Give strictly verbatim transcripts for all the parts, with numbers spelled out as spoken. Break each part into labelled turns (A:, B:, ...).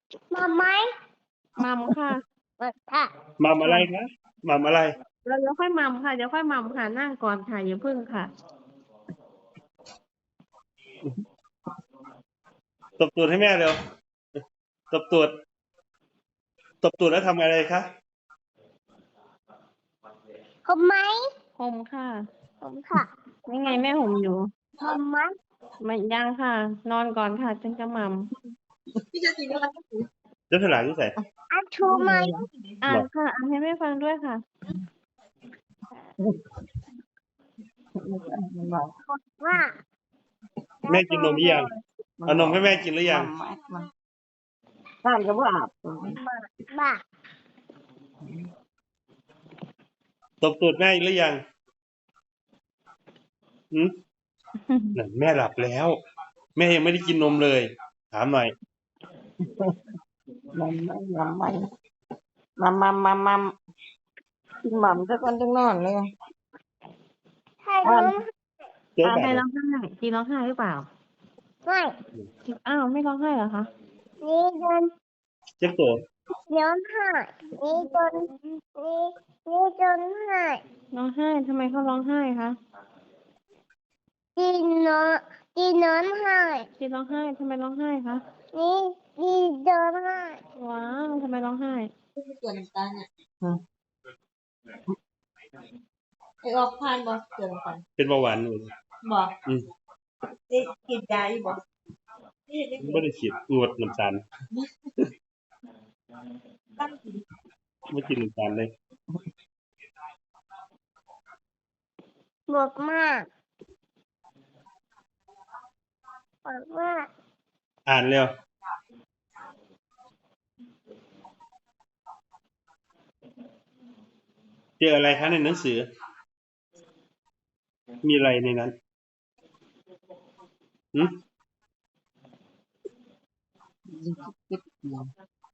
A: มาไหม
B: มัมค่ะ
A: มาค่ะ
C: มัมอะไรคะมัมอะไร
B: เราเดี๋ยวค่อยมัมค่ะเดี๋ยวค่อยมัมค่ะนั่งก่อนค่ะอย่าพึ่งค่ะ
C: ตบตูดให้แม่เร็วตบตูดตบตูดแล้วทำอะไรคะ
A: ผมไหม
B: ห่มค่ะ
A: ผมค่ะ
B: นี่ไงแม่ห่มอยู่
A: ผมไหม
B: ไม่ยังค่ะ นอนก่อนค่ะจึงจะมัม
C: เจ้าฉลามที่ใส่
A: อาชูไหม
B: อ่านค่ะอ่านให้แม่ฟังด้วยค่ะ
A: ว่า
C: แม่กินนมหรือยังเอานมให้แม่กินหรือยัง
D: ท่านก็บ่อาบ
A: บ้า
C: ตบตูดแม่หรือยังหืมนั่นแม่หลับแล้ว แม่ยังไม่ได้กินนมเลย ถามหน่อย
D: มันไม่มันไม่มัมมัมมัมมัมกินหม่ำซะก่อนจังนอนเลย
A: ให้น้อง
C: เจ๊
B: อ่า
C: แบบ
B: ใครร้องไห้จีร้องไห้หรือเปล่า
A: ไม่
B: อ้าวไม่ร้องไห้เหรอคะ
A: นี่จน
C: เจ๊โต
A: ย้อนหายนี่จนนี่นี่จนหาย
B: ร้องไห้ทำไมเขาร้องไห้คะ
A: จีนอนจีนอนหาย
B: จีร้องไห้ทำไมร้องไห้คะ
A: นี่จีจนหาย
B: ว้าวทำไมร้องไห้
E: เกลือน้ำตาลอ่ะไอออกพานบ่เกลือน้ำตาล
C: เป็นเบาหวานอยู่
E: บ่
C: อืม
E: ได้กินยาอยู่บ่นี่ได้
C: ไม่ได้ฉีดงดน้ำตาล
E: ตั้งกิน
C: ไม่กินน้ำตาลเลย
A: บวกมากบอกว่า
C: อ่านเร็วเจออะไรคะในหนังสือ มีอะไรในนั้นหืม
D: คิดเดียว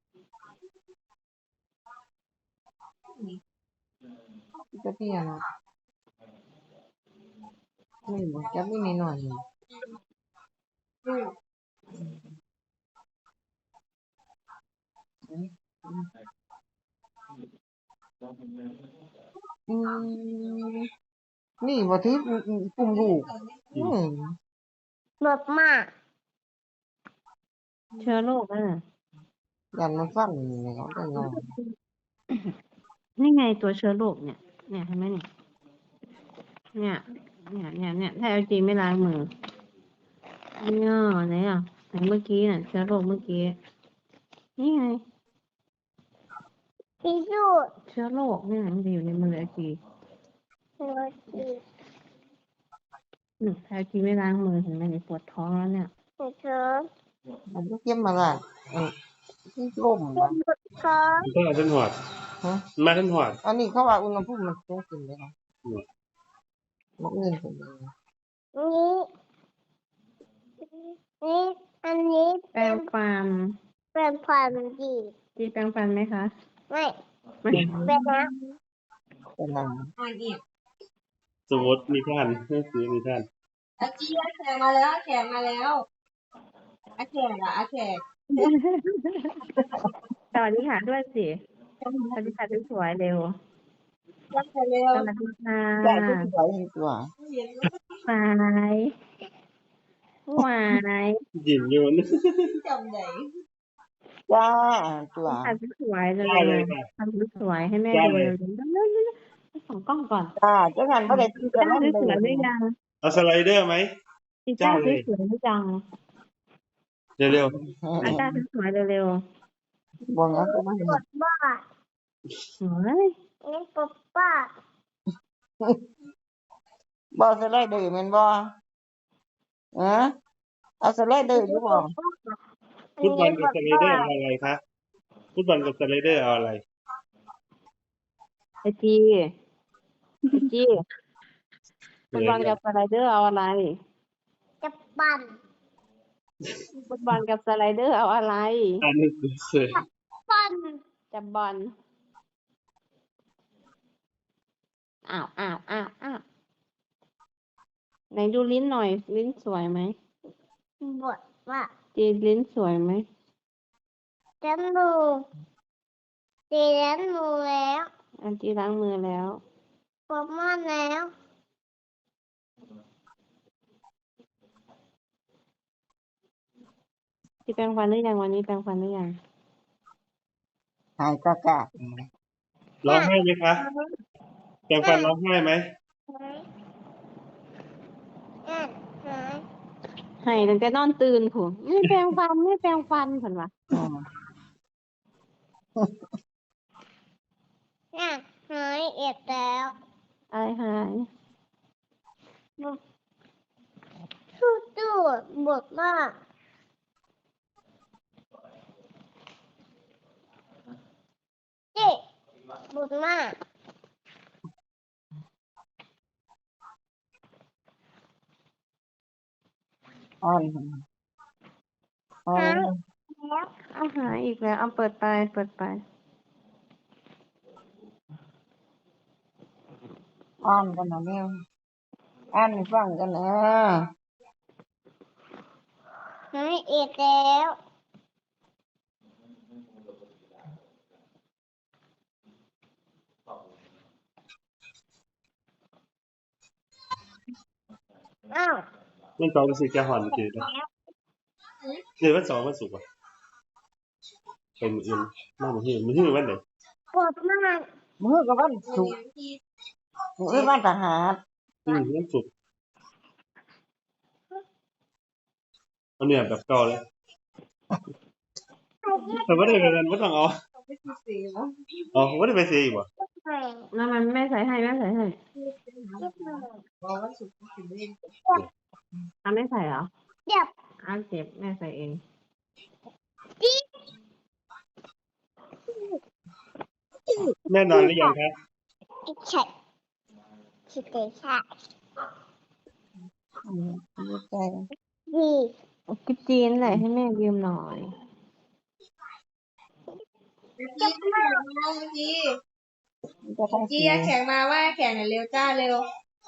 D: ก็เพียงนี่บ่จะไม่มีหน่อยอืมนี่บ่ถือกลุ่มลูกอืม
A: บวกมาก
B: เชื้อโรคอ่ะ
D: ยันมันฟันนี่เขาได้นอน
B: นี่ไงตัวเชื้อโรคเนี่ย เนี่ยเห็นไหมเนี่ย เนี่ย เนี่ย เนี่ย เนี่ยถ้าเอาจริงไม่ล้างมือเนี่ยไหนอ่ะไหนเมื่อกี้น่ะเชื้อโรคเมื่อกี้ นี่ไง
A: พิสูจน์
B: เชื้อโรคเนี่ยมันจะอยู่ในมือไอจี
A: หัวจี
B: อืมถ้าเอาจริงไม่ล้างมือเห็นไหมเนี่ยปวดท้องแล้วเนี่ย
A: หัวเธอ
D: มันก็เก็บมาละเออที่ล่ม
A: เป็นบทคอ
C: มันก็ท่านหอด
D: ฮะ
C: มาท่านหอด
D: อันนี้เขาว่าอุณหภูมิมันสูงขึ้นเลยนะ
C: อืม
D: มันอื่นขึ้นเลย
A: นี้นี่อันนี้
B: แปรงฟัน
A: เป็นความดี
B: จีแปรงฟันไหมคะ
A: ไม่
B: ไม่
A: เป็นนะ
D: เป็นหนัง
E: อ่านอีก
C: สมมติมีท่านหนังสือมีท่าน
E: อาเจียแขกมาแล้วแขกมาแล้วอาแขกอ่ะอาแขก
B: สวัสดีค่ะด้วยสิสวัสดีค่ะสวยๆเร็ว
E: รักเร็ว
B: สวัสดีค่ะ
D: แต่ก็สวยตัว
E: เห็น
B: หวายหวาย
C: ยินอยู่นะ
E: จำได้
D: จ้าตัว
B: ทำสวยๆเร็
C: ได้เล
B: วย
C: ค่ะ
B: ๆทำสวยๆให้แม่
C: ได้
B: ดู
C: เลย
B: เร็วๆเร็วๆๆส่องกล้องก่อน
D: จ้าเจ้าหันบ่ได้ตีกั
B: จ้าน
D: นั่น
B: สวยๆห
D: เล
B: รื
D: ย
B: อยัง
C: เอาสไลเดอร์ไหม
B: จีจ้า
C: จ้าเลย
B: สวยๆหรือยัง
C: เร็ว
B: อาจ้าสวยๆเร็ว
D: บ่งั้นก็ไม่
A: บทบ้า
B: ๆเฮ้ย
A: นี่ปบบ้า
D: บ่สไลเดอร์แม่นบ่เออเอาสไลเดอร์อยู่บ่
C: ๆฟุตบอลกับสไลเดอร์เอาอะไรคะฟุตบอลกับสไลเดอร์เอาอะไร
B: ไอจีไอจีฟุตบอลกับสไลเดอร์เอาอะไร
A: จะปั่น
B: ฟุตบอลกับสไลเดอร์เอาอะไร
C: อ่านหนังสือเสือ
A: ปั่น
B: จับบอลอ้าวอ้าวอ้าวอ้าวไหนดูลิ้นหน่อย ลิ้นสวยไหม
A: บทว่า
B: จีลิ้นสวยไหม
A: จมูกตีจมูกแล้ว
B: อันจีล้างมือแล้ว
A: ปวดมากแล้ว
B: ที่แปรงฟันหรือยังวันนี้แปรงฟันหรือยัง
D: หายกากา
C: ร้องไห้ไหมคะแปรงฟันร้องไห้ไหม
A: หายอ่ะหาย
B: ให้ตั้งแต่นอนตื่นผูไม่แปรงฟันไม่แปรงฟันผนวะ
D: อืม
A: อ่ะหายเอ็ดแล้ว
B: อะไรหาย
A: สู้ตู้บวกมากเจ๊บวกมาก
D: อ่อนอ่อน
A: แล้ว
B: เอาหายอีกแล้วเอาเปิดไปเปิดไป
D: อ่อนกันนะเนี่ยอ่านให้ฟังกันนะ
A: หายเอ็ดแล้วอ้าว
C: มันตอนรู้สึกจะหอนจืดนะเดือนวันสองวันศุกร์อ่ะเป็นมืออื่นมามือหื่นมือหื่นวันไหน
A: ปวดมาก
D: มือกับวันสุกร์มือวันทหาร
C: อืมวันศุกร์เอาเนี่ยแบบเก่าเลยแต่ว่าได้ไปเรียนว่าต้องเอาอ๋อผมว่าได้ไปเสียอีกว่ะ
B: แล้วมันแม่ใส่ให้แม่ใส่ให้เอาไม่ใส่เหรอ
A: เจ็บ
B: อ้าวเจ็บแม่ใส่เอง
C: แม่นอนหรือยังครับ
A: อีกใช่คิดได้ใช่
D: อืมดีใจ
A: ดี
B: กิบจีนแหละให้แม่ยืมหน่อย
E: จีแข็งมาเมื่อกี้
D: จะต้อง
E: จี
D: สี
E: อะแข็งมาว่าแข็งหน่อยเร็วจ้าเร็ว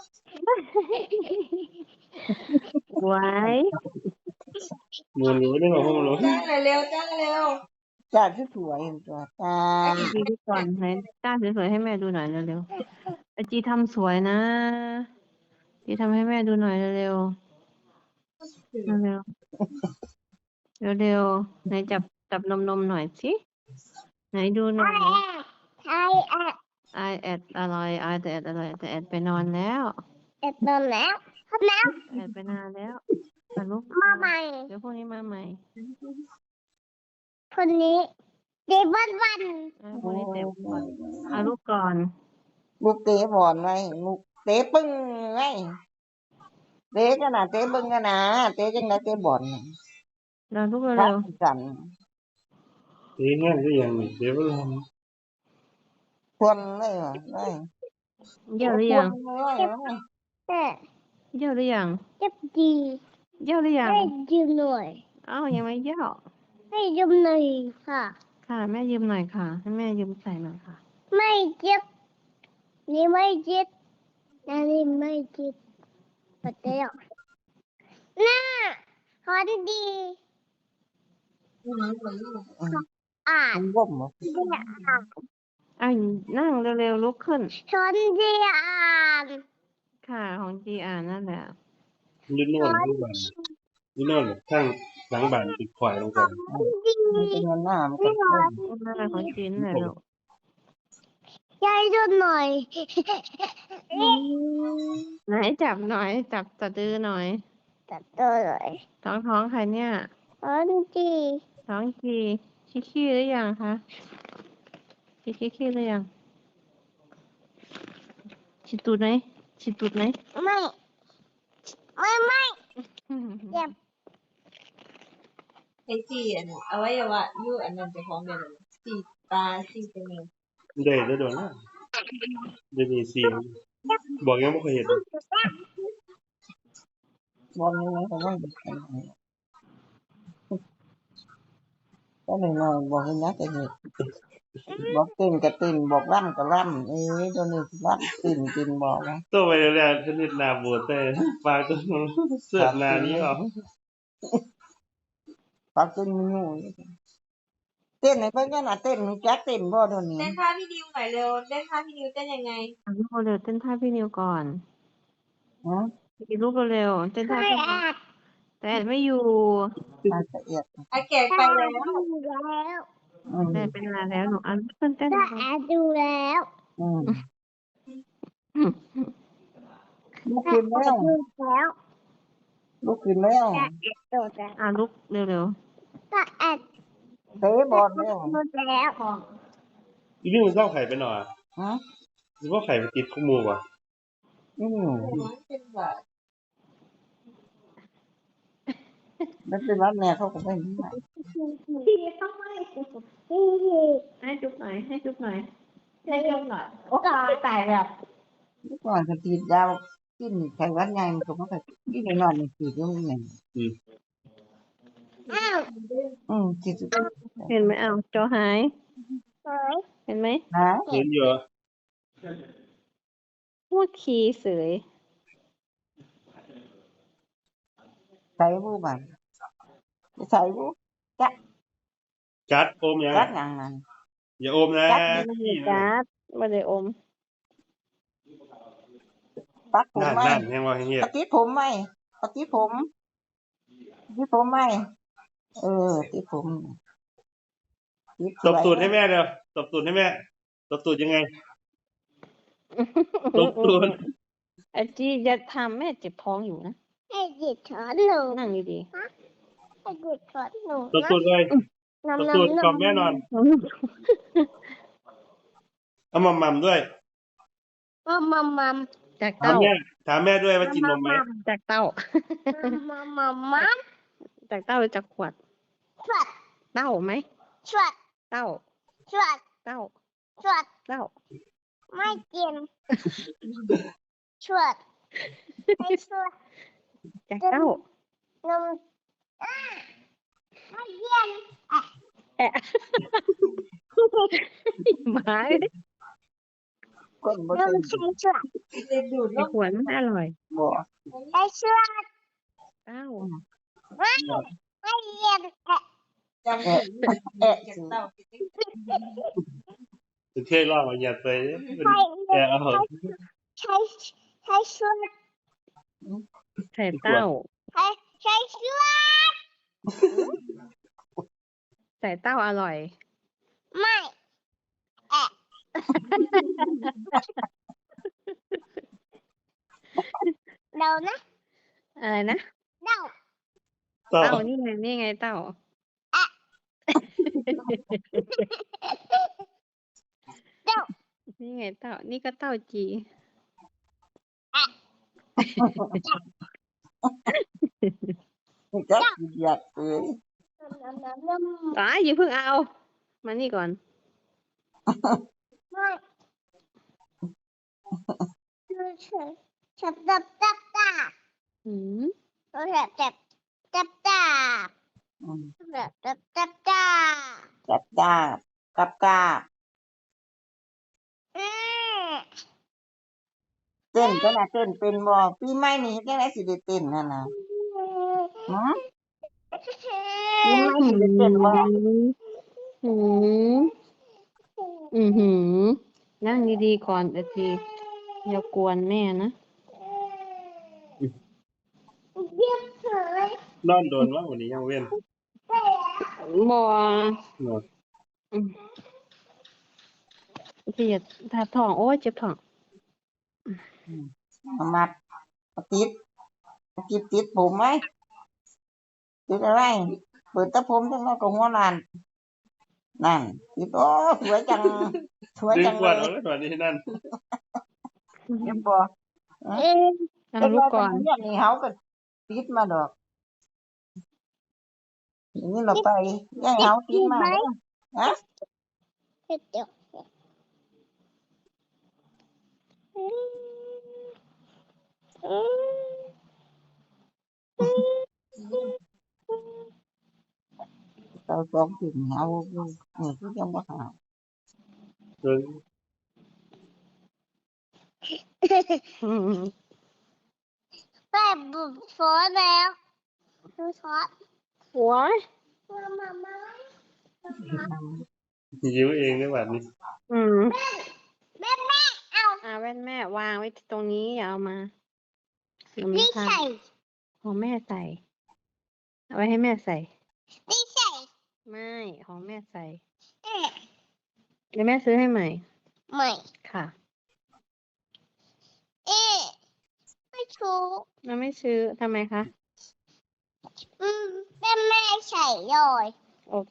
B: ไว้
C: มูรู้ได้บอกว่ามูรู้
E: จ้าหน่อยเร็วจ้าเร็ว
D: จ้าที่สวยตัวตา
B: จีดูก่อนให้ต้าสวยๆให้แม่ดูหน่อยเร็วๆไอจีทำสวยนะจีทำให้แม่ดูหน่อยเร็วๆเร็วๆเร็วๆไหนจับจับนมนมหน่อยสิไหนดูหน่อย
A: ไอ้แอด
B: ไอแอดอะไรไอแต่แอดอะไรแต่แอดไปนอนแล้ว
A: เอ็ดนอนแล้วทำแล้ว
B: แอดไปนานแล้วมาลุก
A: มาใหม่
B: เดี๋ยวพรุ่งนี้มาใหม่
A: คนนี้เด็กวันวัน
B: อ่าพรุ่งนี้เต็มก่อนเอาลูกก่อน
D: ลูกเตะบอลไว้ลูกเตะปึ้งไว้เตะกันนะเตะปึ้งกันนะเตะจังไดเตะบอล
B: เราลูก
D: ครั
B: เร็
D: บ
B: ว
D: กัน
C: เฮ้ยงั้นก็ยังนี่เดี๋ยวเรา
D: ทวนเลยว่ะได้
B: ๆเยี่ยวหรือยัง
D: ทวนเลยว่ะ
A: แต่
B: เยี่ยวหรือยัง
A: เจ็บดี
B: เยี่ยวหรือยัง
A: ให้ยืมหน่อย
B: อ้าวยังไม่เยี่ยว
A: ให้ยืมหน่อยค่ะ
B: ค่ะแม่ยืมหน่อยค่ะให้แม่ยืมใส่หน่อยค่ะ
A: ไม่เจ็บนี่ไม่เจ็บอันนี้ไม่เจ็บปัดเดียวน่าฮอนดีอ่าน
D: มันบ่มเหรอ
A: เดียอ่าน
B: อ้าวนั่งเร็วๆลุกขึ้น
A: ฮอนดีอ่าน
B: ค่ะของจีอ่านนั่นแหละ
C: ยืนโน่นทุกวันยืนโน่นข้างหลังบ้านติดควายลงไป
A: ดี
D: มันเป็นเงินหน้ามันก็บ่ม
B: นั่นแหละของจีนนั่นแหละลูก
A: ยายดูหน่อย
B: ไหนจับหน่อย จับสะดือหน่อย
A: ตัดตัวเลย
B: ท้องท้องใครเนี่ย
A: ฮอนดี
B: ท้องจีชิขี้หรือยังคะชิชิขี้หรือยังชิตูดไหมชิตูดไหม
A: ไม่ไม่ไม่เจ็บ
E: ไอจีอันอวัยวะยู่อันนั้นจะพร้อมเดี๋ยวสีตาสีจมูก
C: ได้ได้โดนแล้วเดี๋ยวนี้สี่บอกยังไม่เคยเห็น
D: บอลนี่มันก็บ่ได้กันก็หนึ่งหน่อยบอกให้นักก็เฮ็ดบอกเต้นก็เต้นบอกร่ำก็ร่ำเอ้ยตัวนี้ร่ำเต้นเต้นบอกนะ
C: ตัวไปแล้วชนิดนาบวชแต่ปลาตัวเสื้อนานี้เหรอ
D: ปักเต้นมันอยู่เต้นให้เพิ่นกันน่ะเต้นรู้จักเต้นบ่เดี๋ยวนี้
E: เต้นท่าพี่ดิวหน่อยเร็วเต้นท่าพี่ดิวเต้นยังไง
B: อ่ะลูกเร็วๆเต้นท่าพี่นิวก่อน
D: ฮะ
B: อีกลูกเร็วๆเต้นท่า
A: ไม่
B: พี่นิ
A: แอ
B: ว
A: บ
B: แต่แอดไม่อยู่
D: อาละเอียด
E: อาแขกไปแล้ว
A: ดูแล้ว
D: อืม
B: แต่เป็นเวลาแล้วหนูอ่ะเต้นเต้น
A: ก็แอบดูแล้ว
D: อืม
B: อืม
D: ลุก
A: ก็
D: ขึ้น
A: แอ
D: แล้ว
A: บดูแล้ว
D: ลุกขึ้นแล้ว
A: ก็แอบดูแล้ว
B: อ่ะลูกเร็ว
A: ก็แอบ
D: เตะบอลแล้ว
A: ดูแล้ว
C: อีนี่มันเล่าไข่ไปหน่อย
D: ฮะ
C: หรือว่าไข่มันติดข้อมือวะ
D: อืม
E: เป็นแบบ
D: แล้วเป็นรับแม่เขาก็ไม่มีให้
A: พี่ต้องไม่พี่
B: ๆให้จุ๊บหน่อยให้จุ๊บหน่อยให้จุ๊บหน่อย
A: ก็
B: ตายแบบ
D: เมื่อก่อนก็ฉีดยากินไข้หวัดใหญ่มันก็บ่ค่อยกินนอนนี่ฉีดอยู่นี่
C: อืม
A: อ้าว
D: อืมฉีดอยู่
B: เห็นไหมเอาจอหาย
A: เฮ้ย
B: เห็นไหม
D: ฮะ
C: เห็นเยอะ
B: พูดคีย์เสย
D: ใส่บูบันใส่บูจัก
C: จัดโอมยัง
D: จักอย่างนั้น
C: อย่าโอมนะ
B: ไม่ได้จัดไม่ได้อม
D: ปักผม
C: นั่น
D: ไหม
C: นั่นยังว่าอย่างเงี้ย
D: ปฏิดผมไหมปฏิดผมปฏิดผมไหมเออติดผมติดส
C: ต
D: ว
C: บ
D: ย
C: ตูดให้แม่เร็วตบตูดให้แม่ตบตูดยังไงตบตูด
B: ไอจีจะทำแม่เจ็บท้องอยู่นะ
A: ให้หยิบช้อนหนู
B: นั่งดี
A: ให้หยิบช้อนหนู
C: ตบตูดเลยตบตูดกล่อมแม่นอน
B: ๆ
C: เอามัมมัมด้วย
A: มัมมัมมัม
B: จาก
C: ถาม
B: เต้า
C: แม่ถามแม่ด้วยว่ากินนมไหม
B: จากเต้า
A: มัมมัมมัม
B: จากเต้าหรือจากขวด
A: สวัสด
B: เต้าไหม
A: สวัสด
B: เต้า
A: สวัสด
B: เต้า
A: สวัสด
B: เต้า
A: ไม่กินสวัสดให้สวัสด
B: จากเต้าน
A: มอ้าไม่เย็น
B: แอะหมา
D: คนบ่
A: น
D: ใช่
A: มใช้สวัสด
E: เด็กดูด
B: ไอขวดมันอร่อย
D: บ่
A: ใช้สวัสด
B: เต้า
A: ไม่ไม่เย็นแอะ
E: จำถึงเอ๊ะจากเต่า
C: ถึงเท่ล่อมาหยัดไปเป็น
A: ใช้
C: แอร์เอา
A: ใช้ใช้สวัสด
B: ใส่เต้า
A: ใช้ใช้สวัสด
B: ใส่เต้าอร่อย
A: ไม่แอะเดานะ
B: อะไรนะ
A: เดา
C: ต่อ
B: เต้านี่ไงนี่ไงเต้า
A: เดา
B: นี่ไงเต้า นี่ก็เต้าจี
D: จักอยากเอ้ย
A: น้ำน้ำน้ำ
B: อ๋ออย่าเพิ่งเอา มานี่ก่อน
A: ไม่เฉยจับจับจับจับ
B: หืม
A: จับจับจับจับ
D: อืม
A: จับจับจับจับ
D: จับจ้าบกับกาบ
A: อืม
D: เต้นก็น่ะเต้นเป็นบ่ปีใหม่นี่จังได๋สิได้เต้นนั่นน่ะฮะปีใหม่สิได้เต้นบ่
B: หืมอือหือ นั่งดีๆก่อนเดี๋ยวทีอย่ากวนแม่นะ
A: เยี่ยมเลย
C: นอนโดนว่าวันนี้ยังเว้น
B: บอ
C: เนาะ
B: พี่อย่าทาท้อง โอ้ยเจ็บท้อง
D: เอามัดเอาติดเอาติดติดผมไหมติดอะไรเปิดตะผมจังนั้นก็หัวล้านนั่นติดโอ้สวยจังสวย
C: ดึง
D: จัง
C: ข
D: เล
C: วด
D: ย
C: เอาไว้ก่อนนี่นั่น
D: เห็นบ่
A: เอ๊ะ
B: เอาลูกก่อน
D: เดี๋ยวนี้เฮาก็ติดมาดอกอย่างนี้เราไปย่ายเฮาติดมาเด้อฮะ
A: เดี๋ยวอืมอืม
D: เราสองถึงเฮาอยู่นี่คือยังบ่หา
C: เดิน
B: อืม
A: แม่บุบฟอนแล้วดูช็อต
B: หัว
A: มามามา
C: ยิ้วเองด้วยแบบนี้
B: อืม
A: แม่แม่เอา
B: อ่าแว่นแม่วางไว้ตรงนี้อย่าเอามาเดี๋ยวมัน
A: นี่
B: พัง
A: ใส่
B: ของแม่ใส่ เอาไว้ให้แม่ใส่
A: นี่ใส่
B: ไม่ของแม่ใส่
A: เอ๊ะ
B: เดี๋ยวแม่ซื้อให้ใหม่
A: ไม่
B: ค่ะ
A: เอ๊ะไม่ถูก
B: เราไม่ซื้อทำไมคะ
A: อืมแม่แม่ใส่เลย
B: โอเค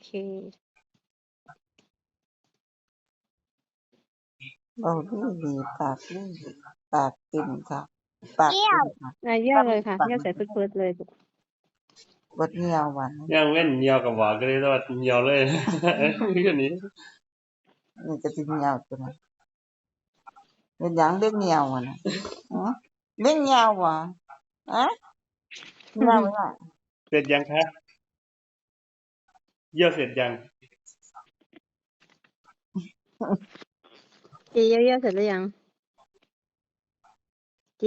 D: เบาดีดีปากดีปากกินค่ะปาก
A: เกี่ย
D: กิ
A: วน
D: ค่ะ
B: อ่ะเยี่ยวเลยค่ะเยี่ยวใส่พืดๆเลยลูก
D: บดเงียวหวาน
C: ย่างเว้นเหี่ยวกับหวานก็เลยว่าเหี่ยวเลย นี่ก็นี้
D: นี่ก็สิเงียวตัวนั้นเป็นหยังเล็กเงียวอ่ะนะอ๋อเล็กเงียวว่ะอะเงียวอ่ะ
C: เสร็จยังคะเยี่ยวเสร็จยัง
B: จีเยี่ยวเยี่ยวเสร็จหรือยัง จี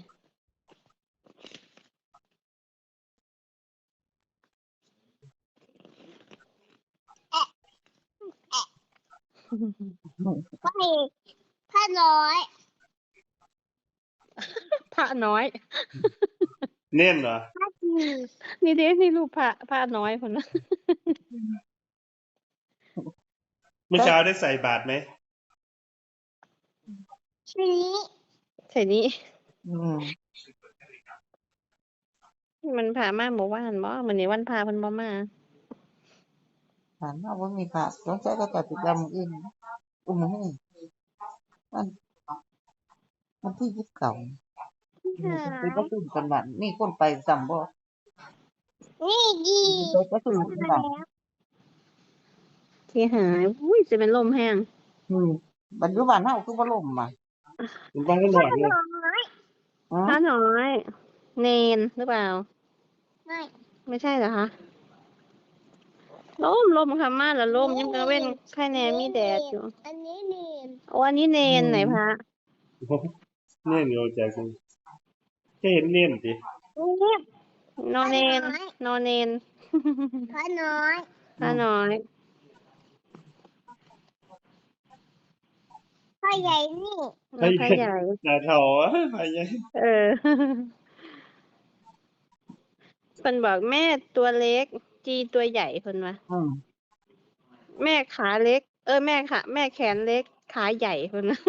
A: ไปผ้าน้อย
B: พระน้อย
C: เน่นเหรอ
A: ผ้าจี
B: นี่เด้นี่รูปพระพระน้อยคนนั้น
C: เมื่อเช้าได้ใส่บาตรไหม
A: สี
B: ใส่นี้
D: อืม
B: มันพามาเมื่อวานบ่มื้อนี้วันพาเพิ่นบ่มา
D: ถามว่าบ่มีผักสงสัยก็จะติดดำอื่นอุ้มนี่มันมันที่ยิบเก่า
A: หา
D: ไปประชุมกันบ้านมีคนไปซ้ำบ่
A: นี่ดี
D: ไปประชุมกันบ้าน
B: ที่หายอุ้ยจะเป็นลมแห้ง
D: อืมปัจจุบันเฮาคือบ่ล่มอ่ะ
C: คุณป้าก็หลอดเลย
A: น้อย
D: อ๋อ
B: พระน้อย เนนหรือเปล่า
A: ไม่
B: ไม่ใช่เหรอคะลมลมค่ะมาแล้วลมยังกระเว้นไข่แน่มีแดดอยู่
A: อันนี้เนียน
B: โอ้อันนี้เนนไหนพระ
C: เน่นอยู่ใจคุณแค่เห็นเน่นสิ
A: นี่
B: นอนเนนนอนเนน
A: ผ้าน้อย
B: พระน้อย
A: ผ้าใหญ่นี่
B: แล้วพระใหญ่
C: หน้าเถาอะไปยัง
B: เออ เพิ่นบอกแม่ตัวเล็ก จีตัวใหญ่เพิ่นว่า
D: อืม
B: แม่ขาเล็ก เออแม่ขาแม่แขนเล็ก ขาใหญ่เพิ่นว่า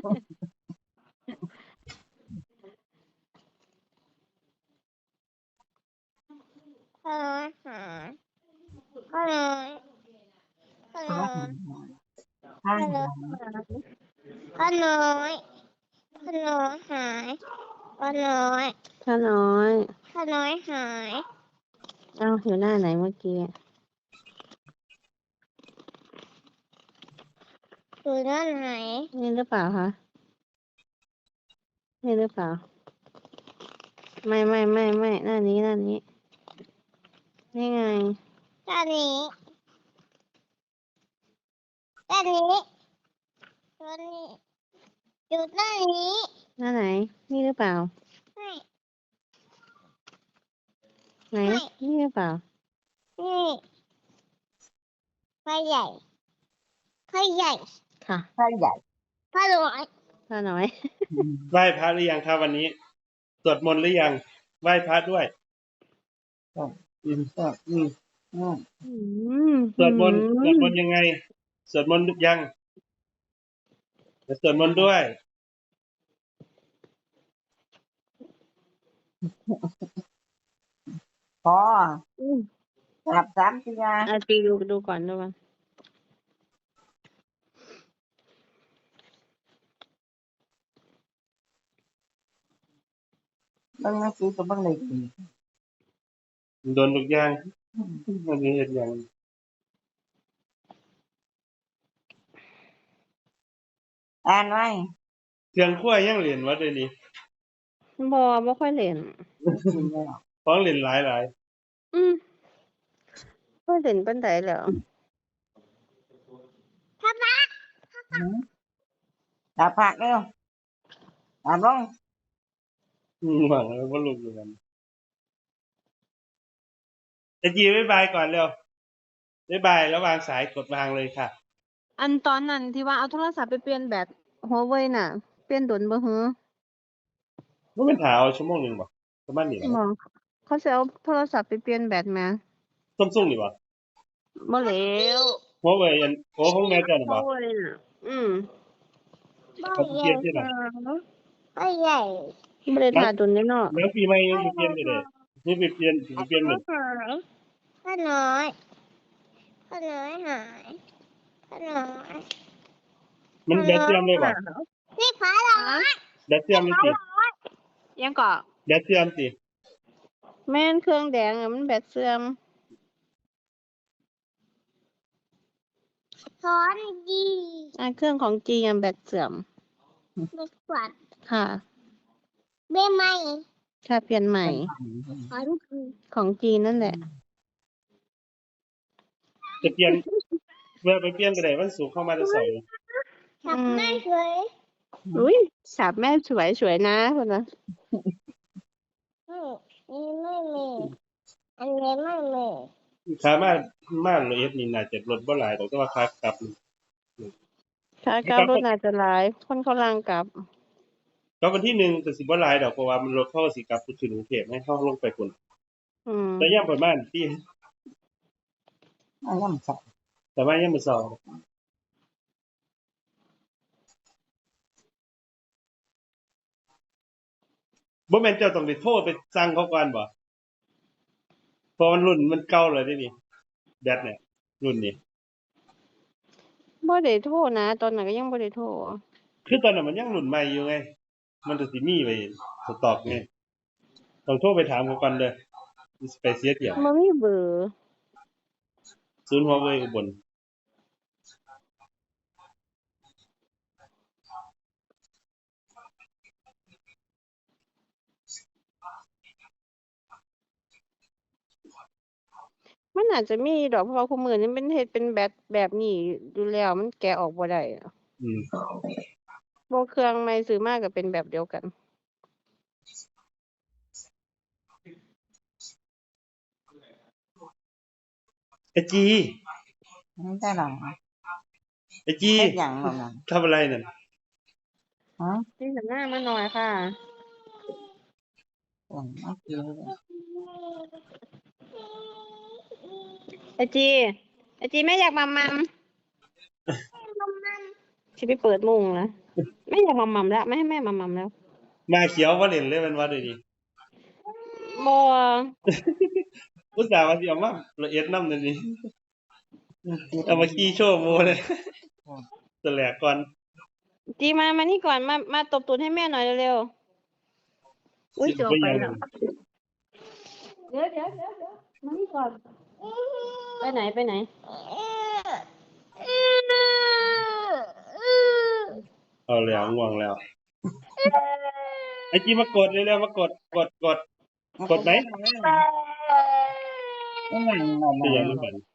A: ผ้าน้อยหาผ้าน้อยผ้าน้อย
D: ทาง
A: ผ้าน้อยผ้าน้อยหายผ้าน้อย
B: พระน้อย
A: ผ้าน้อยหาย
B: เอ้าอยู่หน้าไหนเมื่อกี้
A: อยู่นั่นไหน
B: นี่หรือเปล่าคะนี่หรือเปล่า ไม่ไม่ไม่ไม่หน้านี้หน้านี้ นี่ไง
A: ด้านนี้ด้านนี้ด้านนี้อยู่ด้านนี้
B: หน้าไหน นี่หรือเปล่า
A: ไม่
B: ไหน
A: ไม่
B: นี่หรือเปล่า
A: นี่ผ้าใหญ่ผ้าใหญ่
B: ค่ะ
D: ทางใหญ่
A: ผ้าน้อย
B: พระน้อย
C: ไหว้พระหรือยังครับวันนี้ สวดมนต์หรือยัง ไหว้พระด้วย อืม
D: ก็อืมอืม
B: อืม
C: สวดมนต์สวดมนต์ยังไง สวดมนต์ยังจะสวดมนต์ด้วย
D: พอ
B: อืม
D: กลับสามเทีย
B: อ่ะจีดูดูก่อนดูก่อน
D: เบิ่งหนังสือก็เบิ่งเลยดี
C: โดนทุกอย่างมันมีเหตุอย่าง
D: อ่านไว้
C: เครื่องขั้วยังเหรียญวัดเลยนี่
B: บอบ่ค่อยเล่น
D: กินแล้ว
C: ของเหรียญหลายหลาย
B: อืมค่อยเล่นปานใดแล้ว
D: หืมดาบผักเร็วดาบลง
C: อืมหวังแล้วว่าลุกอยู่กันจะจีบ๊ายบายก่อนเร็วบ๊ายบายแล้ววางสายกดวางเลยค่ะ
B: อันตอนนั้นที่ว่าเอาโทรศัพท์ไปเปลี่ยนแบตหัวเว่ยน่ะ เปลี่ยนโดนบ่ฮือ
C: มันเป็นหาเอาชั่วโมงหนึงบ่ประมาณนี้แหละ
B: บ่เขาสิเอาโทรศัพท์ไปเปลี่ยนแบตแหม
C: Samsung นี่บ่
B: บ่แล้ว
C: Huawei อันโอ้ของแม่เจ้าน่ะ
B: หัว
C: บ่
B: เว่ยน่ะ อืม
A: บ่
C: เขาสิ
A: ให
C: เปลี่
A: ญ่
C: ยนที่ไหน
A: หาบ่ใหญ่
B: บ่ได้ท่าโดนเลยเนาะ
C: แล้วปีใหม่ยังสิเปลี่ยนได้เด้นี่ไปเปลี่ยนสิไปเปลี่ยนหมด
A: หายพ่อน้อยพ่อน้อยหายพ่อน้อย
C: มันแบตเสื่อมเลยบ่
A: นี่พ่อน้อย
C: แบตเสื่อมเลยสิ
B: ยังก็
C: แบตเสื่อมสิ
B: แม่นเครื่องแดงอะมันแบตเสื่อม
A: สอนดี
B: อ่าเครื่องของจีอะแบตเสื่อม
A: เด็กกวัด
B: ค่ะ
A: เบ้ไหม
B: ถ้าเปลี่ยนใหม่
A: สอนดี
B: ของจีนนั่นแหละ
C: จะเปลี่ยนเมื่อไปเปลี่ยนก็ได้วันศุกร์เข้ามาแต่เช้า
A: จับแม่เคย
B: อุ้ยสาบแม่สวยสวยนะพุ่นน่ะ
A: อืมนี่ไม่มีอันนี้ไม่มี
C: ขามามาละเอียดนี่น่าจะลดบ่หลายดอกแต่ว่าขากลับ
B: ขากลับรถน่าจะหลาย คนเขาลางกลับ
C: ก็วันที่หนึ่งก็สิบ่หลายดอกเพราะว่ามันรถเข้าสิกลับขึ้นกรุงเทพให้เข้าลงไปพุ่น
B: อืม
C: แต่ยามประมาณที่
D: อันนั้นใส่
C: แต่ว่ายามมื้อเช้าบ่แม่นเจ้าต้องไปโทรไปสั่งเขาก่อนบ่เพราะมันรุ่นมันเก่าแล้วเด้นี่แบตเนี่ยรุ่นนี้
B: บ่ได้โทรนะ ตอนนั้นก็ยังบ่ได้โทร
C: คือตอนนั้นมันยังรุ่นใหม่อยู่ไง มันก็สิมีไว้สต็อกไงต้องโทรไปถามเขาก่อนเด้อสิไปเสียเที่ยว
B: บ่มีเบอร์
C: ศูนย์ Huawei อุบล
B: มันอาจจะมีดอกเพราะว่าคุมื้อนี้มันเฮ็ดเป็นแบตแบบนี้อยู่แล้ว มันแกะออกบ่ได้อะ
C: อืม
B: บ่เครื่องใหม่ซื้อมาก็เป็นแบบเดียวกัน
C: ไอ้จี
D: ไม่ได้หรอก
C: ไอ้จี
D: เฮ็ดหยังหรอกนั่น
C: ทำอะไรนั่น
D: ฮะ
B: นี่หันหน้ามาหน่อยค่ะ
D: หยังมากินเลย
B: ไอจี ไอจีแม่อยากมัมมัม
A: มันมัน
B: สิไปเปิดมุงนะแม่อยากมัมมัมแล้วไม่ให้แม่มัมมัมแล้ว
C: มาเขียวบ่เล่นเลยมันว่าเดี๋ยวนี้
B: บ่
C: อุตส่าห์ว่าสิเอามาละเอียดนำนั่นนี่เอามาขี้โชว์โมเลยตะแหลกก่อน
B: จีมามานี่ก่อนมามาตบตูดให้แม่หน่อยเร็วๆอุ้ยจะออกไปแล้วเดี๋ยวเดี๋ยวเดี๋ยวเดี๋ยวมานี่ก่อน ไปไหนไปไหน
C: เอาแล้วง่วงแล้ว ไอ้จีมากดเร็วๆมากดกดกด กดไหม
D: ไม่หยังหรอก
C: จะยังไม่เห็น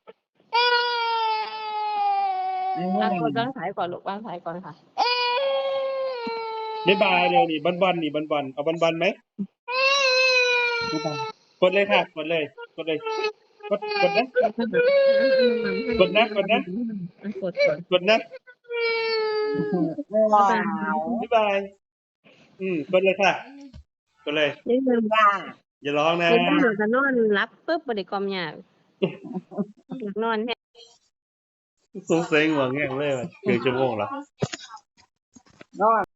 B: อ่ะกดวางสายก่อนลูกวางสายก่อนค่ะ
C: บ๊ายบายเร็วนี่บอลๆนี่บอลๆเอาบอลๆไหมกดเลยค่ะ กดเลย กดเลย กดกดนะ กดนะกดนะ
B: กดก่อน
C: กดนะ
D: ว้าว
C: บ๊ายบายอืมกดเลยค่ะ กดเลย
B: นี่คือ
D: จ้า
C: อย่าร้องนะ
B: เป็นตำรวจจะนอนรับปุ๊บบ่ได้กอมยากอยากนอนแท้
C: สงสัยง่วงแง่งเลยว่ะเกือบชั่วโมงแล้ว
D: นอน